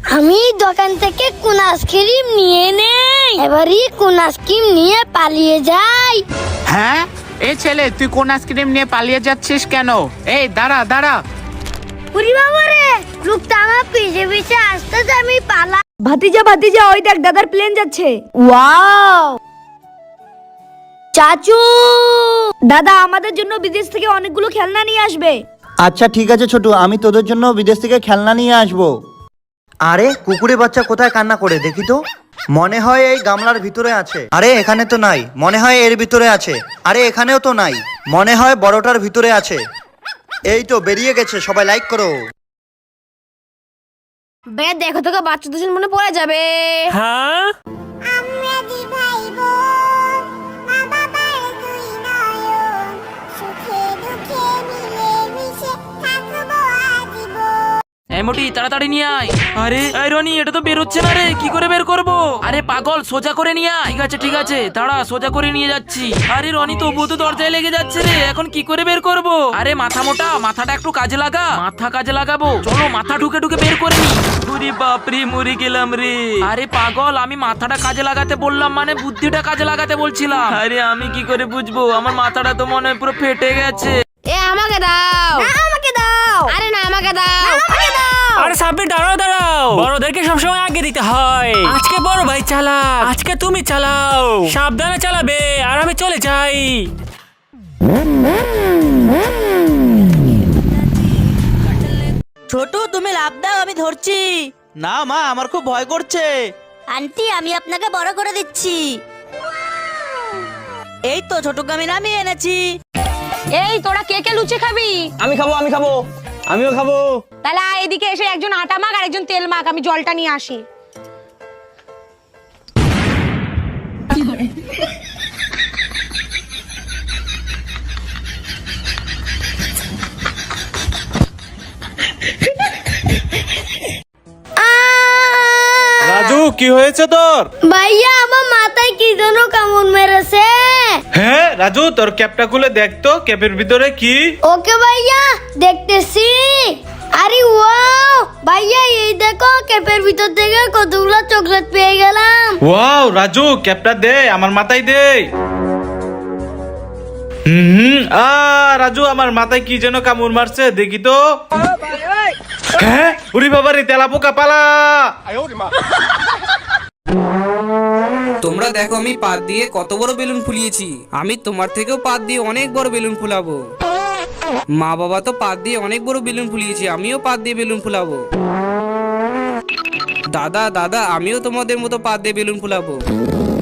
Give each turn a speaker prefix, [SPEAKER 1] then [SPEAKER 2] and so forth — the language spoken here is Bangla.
[SPEAKER 1] আমি দোকান থেকে কোন আইসক্রিম নিয়ে নেই, এবারই কোন আইসক্রিম নিয়ে পালিয়ে যাই।
[SPEAKER 2] হ্যাঁ, এই ছেলে তুই কোন আইসক্রিম নিয়ে পালিয়ে যাচ্ছিস কেন? এই দাঁড়া দাঁড়া।
[SPEAKER 1] পুরি বাবা রে, লোকটা আমার পিছে পিছে আসতেছে, আমি পালা।
[SPEAKER 3] ভাতিজা ভাতিজা, ওই দেখ দাদার প্লেন যাচ্ছে। ওয়াও! চাচু, দাদা আমাদের জন্য বিদেশ থেকে অনেকগুলো খেলনা নিয়ে আসবে।
[SPEAKER 4] আচ্ছা ঠিক আছে ছোটু, আমি তোদের জন্য বিদেশ থেকে খেলনা নিয়ে আসবো। আরে কুকুরে বাচ্চা কোথায় কান্না করে দেখি তো। মনে হয় এই গামলার ভিতরে আছে। আরে এখানে তো নাই, মনে হয় এর ভিতরে আছে। আরে এখানেও তো নাই, মনে হয় বড়টার ভিতরে আছে। এই তো বেরিয়ে গেছে, সবাই লাইক করো।
[SPEAKER 3] বে দেখো তোকে বাচ্চাদের মনে পড়ে যাবে।
[SPEAKER 5] হ্যাঁ,
[SPEAKER 1] আমরা দি ভাই বোন, মা বাবার দুই নয়ন, সুখে দুঃখে মিলে মিশে থাকবো আজীবন।
[SPEAKER 5] এই মোটি তাড়াতাড়ি নিয়ে আয়। আরে এই রনি, এটা তো বের হচ্ছে না রে, কি করে বের করব? আরে পাগল, সোজা করে নিয়ে আয়। ঠিক আছে দাঁড়া, সোজা করে নিয়ে যাচ্ছি। আরে রনি, তবুও তো দরজায় লেগে যাচ্ছে রে, এখন কি করে বের করব? আরে মাথা মোটা, মাথাটা একটু কাজে লাগা। মাথা কাজে লাগাবো, চলো মাথা ঢুকে ঢুকে বের করে নি। ওরে বাপরে, মরে গেলাম রে। আরে পাগল, আমি মাথাটা কাজে লাগাতে বললাম, মানে বুদ্ধিটা কাজে লাগাতে বলছিলাম। আরে আমি কি করে বুঝবো, আমার মাথাটা তো মনে হয় পুরো ফেটে গেছে।
[SPEAKER 3] এ আমাকে দাও, আমাকে দাও। আরে না, আমাকে দাও, আমাকে দাও।
[SPEAKER 6] আরে সাব্বির দাঁড়াও দাঁড়াও, বড়দেরকে সবসময় আগে দিতে হয়। আজকে বড় ভাই চালা, আজকে তুমি চালাও। সাবধানে চালাবে, আর আমি চলে যাই।
[SPEAKER 7] ছোট, তুমি লাভ দাও, আমি ধরছি।
[SPEAKER 8] না মা, আমার খুব ভয় করছে।
[SPEAKER 7] আন্টি, আমি আপনাকে বড় করে দিচ্ছি। এই তো ছোটকে আমি নামিয়ে এনেছি।
[SPEAKER 3] এই তোরা কে কে লুচি খাবি?
[SPEAKER 8] আমি খাবো, আমি খাবো, আমিও খাবো।
[SPEAKER 3] তাহলে এদিকে এসে একজন আটা মাখ আর একজন তেল মাখ, আমি জলটা নিয়ে আসি।
[SPEAKER 9] রাজু, কি হয়েছে তোর?
[SPEAKER 1] ভাইয়া, আমার মাথায় কি যেন কামড় মেরেছে।
[SPEAKER 9] হ্যাঁ রাজু, তোর ক্যাপটা খুলে দেখতো, ক্যাপের ভিতরে কি?
[SPEAKER 1] ওকে ভাইয়া, দেখতেছি। আরে ওয়াও ভাইয়া, এই দেখো ক্যাপের ভিতর থেকে কতগুলো চকলেট পেয়ে গেলাম।
[SPEAKER 9] ওয়াও রাজু, ক্যাপটা দে, আমার মাথায় দে। রাজু, আমার মাথায় কি যেন কামড় মারছে, দেখি তো। হ্যাঁ, উরি বাবা রে, তেলা পোকা, পালা।
[SPEAKER 10] তোমরা দেখো আমি পাত দিয়ে কত বড় বেলুন ফুলিয়েছি। আমি তোমার থেকেও পাত দিয়ে অনেক বড় বেলুন ফুলাবো। মা বাবা তো পাত দিয়ে অনেক বড় বেলুন ফুলিয়েছি, আমিও পাত দিয়ে বেলুন ফুলাবো। দাদা দাদা, আমিও তোমাদের মতো পাত দিয়ে বেলুন ফুলাবো।